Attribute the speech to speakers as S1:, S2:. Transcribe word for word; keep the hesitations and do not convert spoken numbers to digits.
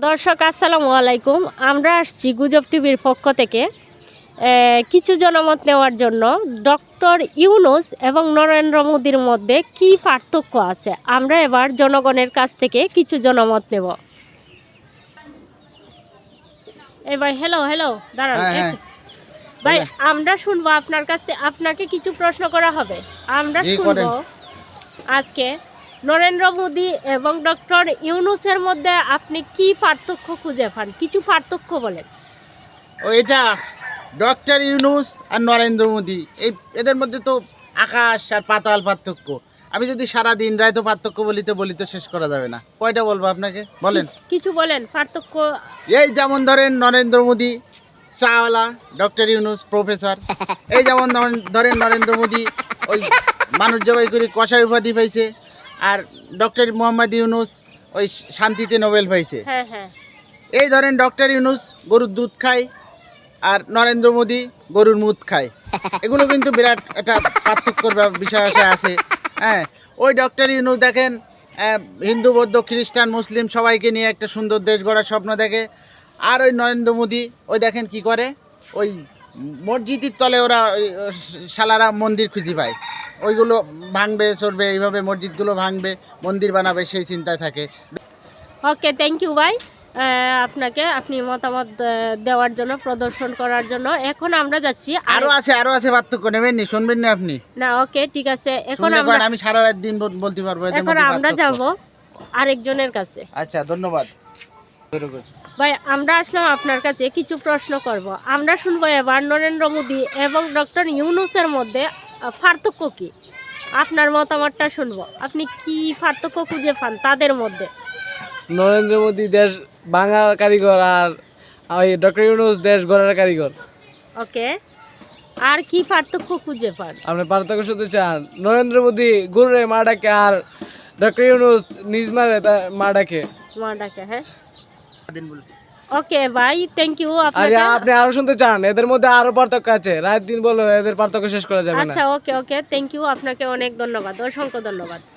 S1: দর্শক আসসালামু আলাইকুম। আমরা আসছি গুজব টিভির পক্ষ থেকে কিছু জনমত নেওয়ার জন্য। ডক্টর ইউনূস এবং নরেন্দ্র মোদির মধ্যে কি পার্থক্য আছে, আমরা এবার জনগণের কাছ থেকে কিছু জনমত নেব। এই ভাই, হ্যালো হ্যালো দাঁড়ান ভাই, আমরা শুনবো আপনার কাছ থেকে। আপনাকে কিছু প্রশ্ন করা হবে, আমরা শুনবো আজকে নরেন্দ্র মোদি এবং ডক্টর ইউনূসের মধ্যে আপনি কি পার্থক্য খুঁজে পান, কিছু পার্থক্য বলেন।
S2: এটা ডক্টর ইউনূস আর নরেন্দ্র মোদি, এই এদের মধ্যে তো আকাশ আর পাতাল পার্থক্য। আমি যদি সারা দিন রায় তো পার্থক্য বলিতে বলিতে শেষ করা যাবে না। কয়টা বলবো আপনাকে, বলেন
S1: কিছু বলেন পার্থক্য।
S2: এই যেমন ধরেন নরেন্দ্র মোদি চাওয়ালা, ডক্টর ইউনূস প্রফেসর। এই যেমন ধরেন নরেন্দ্র মোদি ওই মানুষ জবাই করে কষাই উপাধি পাইছে, আর ডক্টর মোহাম্মদ ইউনূস ওই শান্তিতে নোবেল পাইছে।
S1: হ্যাঁ হ্যাঁ
S2: এই ধরেন ডক্টর ইউনূস গরুর দুধ খায় আর নরেন্দ্র মোদি গরুর মুদ খায়। এগুলো কিন্তু বিরাট একটা পার্থক্যর বিষয় আছে। হ্যাঁ, ওই ডক্টর ইউনূস দেখেন হিন্দু বৌদ্ধ খ্রিস্টান মুসলিম সবাইকে নিয়ে একটা সুন্দর দেশ গড়ার স্বপ্ন দেখে। আর ওই নরেন্দ্র মোদি ওই দেখেন কি করে, ওই মসজিদের তলে ওরা শালারা মন্দির খুঁজে পায়, ওইগুলো ভাঙবে চলবে, এইভাবে মসজিদগুলো ভাঙবে মন্দির বানাবে, সেই চিন্তায় থাকে।
S1: ওকে, থ্যাংক ইউ ভাই আপনাকে, আপনি মতামত দেওয়ার জন্য, প্রদর্শন করার জন্য। এখন আমরা যাচ্ছি,
S2: আরো আছে আরো আছে পার্থক্য, নেবেন নি, শুনবেন না আপনি?
S1: না, ওকে ঠিক আছে। এখন আমরা
S2: আমি সারা রাত দিন বলতে পারবো।
S1: এখন আমরা যাব আরেকজনের কাছে।
S2: আচ্ছা, ধন্যবাদ
S1: ভাই। আমরা আসলাম আপনার কাছে, কিছু প্রশ্ন করব। আমরা শুনবো এবার নরেন্দ্র মোদি এবং ডক্টর ইউনূসের মধ্যে পার্থক্য কি, আপনার মতামতটা শুনবো। আপনি কি পার্থক্য খুঁজে পান তাদের মধ্যে?
S3: নরেন্দ্র মোদি দেশ ভাঙার কারিগর আর ওই ডক্টর ইউনূস দেশ গড়ার কারিগর।
S1: ওকে, আর কি পার্থক্য খুঁজে পান?
S3: আপনি পার্থক্য শুনতে চান? নরেন্দ্র মোদি গুরুরে মা ডাকে আর ডক্টর ইউনূস নিজ মারে মা ডাকে
S1: মা ডাকে। হ্যাঁ, ওকে ভাই, থ্যাংক ইউ।
S3: আরে আপনি আরো শুনতে চান? এদের মধ্যে আরো পার্থক্য আছে, রাত দিন বলো, এদের পার্থক্য শেষ করা যাবে না।
S1: আচ্ছা, ওকে ওকে, থ্যাংক ইউ, আপনাকে অনেক ধন্যবাদ, অসংখ্য ধন্যবাদ।